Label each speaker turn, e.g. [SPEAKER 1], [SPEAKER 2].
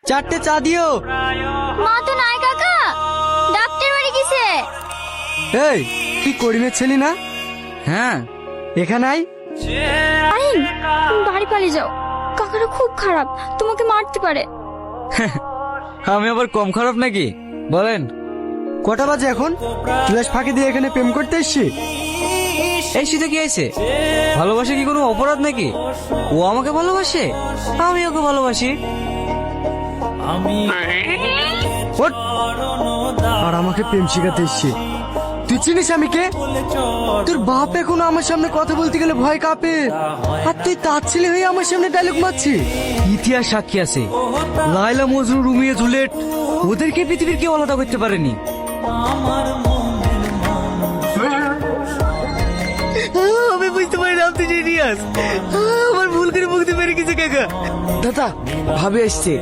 [SPEAKER 1] 4টে চা দিও।
[SPEAKER 2] মা তো নাই কাকা, ডাক্তার বাড়ি গেছে।
[SPEAKER 1] এই কি করিমের ছেলে না?
[SPEAKER 3] হ্যাঁ,
[SPEAKER 1] এখানে আই।
[SPEAKER 2] আইন, তুমি বাড়ি পালিয়ে যাও, কাকারা খুব খারাপ, তোমাকে মারতে পারে।
[SPEAKER 3] আমি আবার কম খারাপ নাকি? বলেন।
[SPEAKER 1] কটা বাজে এখন? ক্লাস ফাঁকি দিয়ে এখানে প্রেম করতে এসছি?
[SPEAKER 3] এই শীতে কি আছে? ভালোবাসা কি কোনো অপরাধ নাকি? ও আমাকে ভালোবাসে, আমি ওকে ভালোবাসি।
[SPEAKER 1] ওঠ। আর আমাকে প্রেম শিখাতে এসছি? তুই চিনিস আমি কে? তোর বাপ এখনো আমার সামনে কথা বলতে গেলে ভয় কাঁপে, আর তুই তার ছেলে হয়ে আমার সামনে ডায়লগ মারছি।
[SPEAKER 3] ইতিহাস সাক্ষী আছে, লায়লা মজনু রুমিয়ে জুলেট ওদেরকে পৃথিবীর কেউ আলাদা করতে পারেনি।
[SPEAKER 1] আমি বুঝতে পারি না তুই জিনিয়াস। আমার ভুল করে মুক্তি পেরে গেছে কাকা। দাদা ভাবে আসছে।